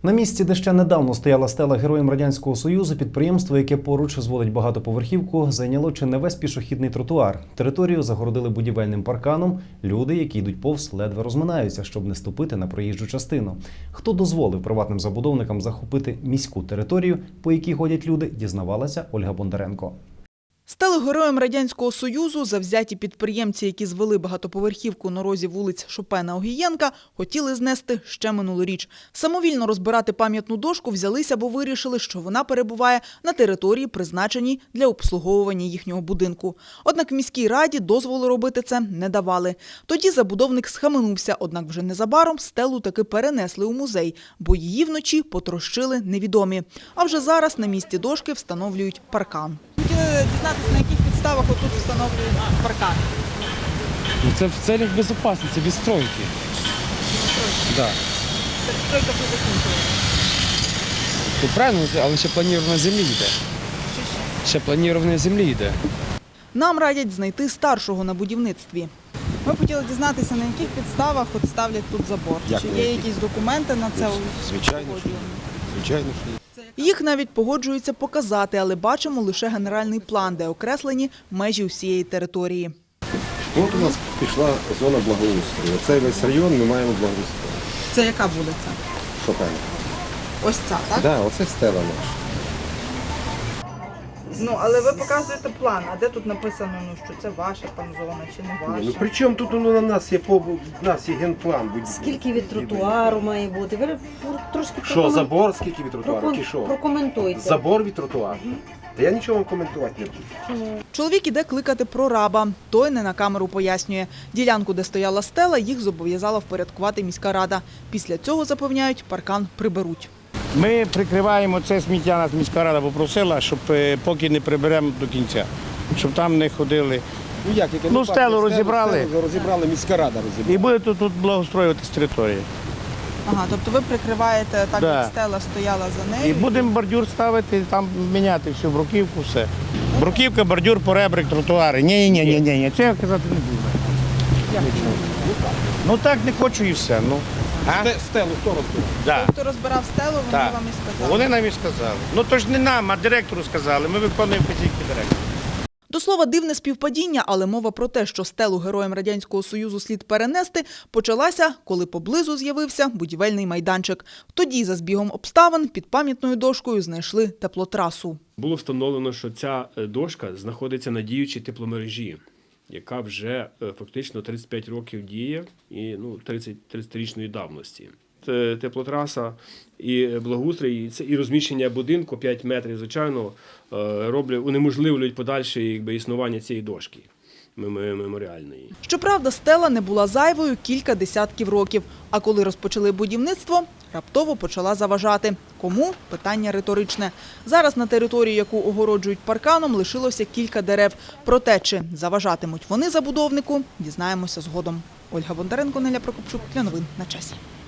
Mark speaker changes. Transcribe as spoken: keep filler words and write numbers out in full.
Speaker 1: На місці, де ще недавно стояла стела Героям Радянського Союзу, підприємство, яке поруч зводить багатоповерхівку, зайняло чи не весь пішохідний тротуар. Територію загородили будівельним парканом. Люди, які йдуть повз, ледве розминаються, щоб не ступити на проїжджу частину. Хто дозволив приватним забудовникам захопити міську територію, по якій ходять люди, дізнавалася Ольга Бондаренко.
Speaker 2: Стали Героям Радянського Союзу завзяті підприємці, які звели багатоповерхівку на розі вулиць Шопена-Огієнка, хотіли знести ще минулоріч. Самовільно розбирати пам'ятну дошку взялися, бо вирішили, що вона перебуває на території, призначеній для обслуговування їхнього будинку. Однак в міській раді дозволу робити це не давали. Тоді забудовник схаменувся, однак вже незабаром стелу таки перенесли у музей, бо її вночі потрощили невідомі. А вже зараз на місці дошки встановлюють паркан. Хотіли дізнатися, на яких підставах отут встановлюють паркан.
Speaker 3: Це в целях безпечності, відстройки. Да.
Speaker 2: Перестройка вже закінчилася.
Speaker 3: Ну, правильно, але ще планування землі йде. Ще планування землі йде.
Speaker 2: Нам радять знайти старшого на будівництві. Ми б хотіли дізнатися, на яких підставах от ставлять тут забор.
Speaker 4: Як
Speaker 2: Чи
Speaker 4: на
Speaker 2: є
Speaker 4: яких?
Speaker 2: якісь документи на це?
Speaker 4: Звичайно, що є. Звичайно, що є.
Speaker 2: Їх навіть погоджуються показати, але бачимо лише генеральний план, де окреслені межі усієї території.
Speaker 4: От у нас пішла зона благоустрою. Цей весь район ми маємо благоустрою.
Speaker 2: Це яка вулиця?
Speaker 4: Шопена.
Speaker 2: Ось ця, так?
Speaker 4: Так, да, оце стела наша.
Speaker 2: Ну, але ви показуєте план, а де тут написано, ну, що це ваша там зона чи не ваша?
Speaker 4: Ну при чому тут воно на нас є по в нас є генплан? Будь-
Speaker 5: Скільки від тротуару має бути? Ви трошки
Speaker 4: Що,
Speaker 5: прокомен-
Speaker 4: забор, скільки від тротуару?
Speaker 5: прокон-
Speaker 4: Чи що?
Speaker 5: Прокоментуйте.
Speaker 4: Забор від тротуару. Та я нічого вам коментувати не буду.
Speaker 2: Чоловік іде кликати прораба. Той не на камеру пояснює. Ділянку, де стояла стела, їх зобов'язала впорядкувати міська рада. Після цього, запевняють, паркан приберуть.
Speaker 6: Ми прикриваємо це сміття, нас міська рада попросила, щоб е, поки не приберемо до кінця, щоб там не ходили.
Speaker 4: Ну як, яке
Speaker 6: Ну, стелу розібрали.
Speaker 4: Стелу розібрали, міська рада розібрала.
Speaker 6: І будете тут благоустроюватись території.
Speaker 2: Ага, тобто ви прикриваєте так,
Speaker 6: Да.
Speaker 2: як стела стояла за нею?
Speaker 6: І будемо бордюр ставити, там міняти всю бруківку, все. Бруківка, бордюр, поребрик, тротуари. Ні, ні, ні, ні, ні, це я казати не буду. Ну так не хочу і все. Ну. А?
Speaker 4: Стелу хто розбив?
Speaker 6: Да.
Speaker 2: Хто розбирав стелу, вони
Speaker 6: Так.
Speaker 2: вам і сказали.
Speaker 6: Вони нам і сказали. Ну то ж не нам, а директору сказали. Ми виконуємо вказівки директора.
Speaker 2: До слова, дивне співпадіння, але мова про те, що стелу Героям Радянського Союзу слід перенести, почалася, коли поблизу з'явився будівельний майданчик. Тоді, за збігом обставин, під пам'ятною дошкою знайшли теплотрасу.
Speaker 7: Було встановлено, що ця дошка знаходиться на діючій тепломережі, яка вже фактично тридцять п'ять років діє і ну, тридцятирічної давності. Теплотраса і благоустрій, і це і розміщення будинку п'ять метрів, звичайно, роблять, унеможливлюють подальше якби, існування цієї дошки меморіальної.
Speaker 2: Щоправда, стела не була зайвою кілька десятків років. А коли розпочали будівництво, раптово почала заважати. Кому? Питання риторичне. Зараз на території, яку огороджують парканом, лишилося кілька дерев. Проте, чи заважатимуть вони забудовнику, дізнаємося згодом. Ольга Бондаренко, Неля Прокопчук. Для новин на часі.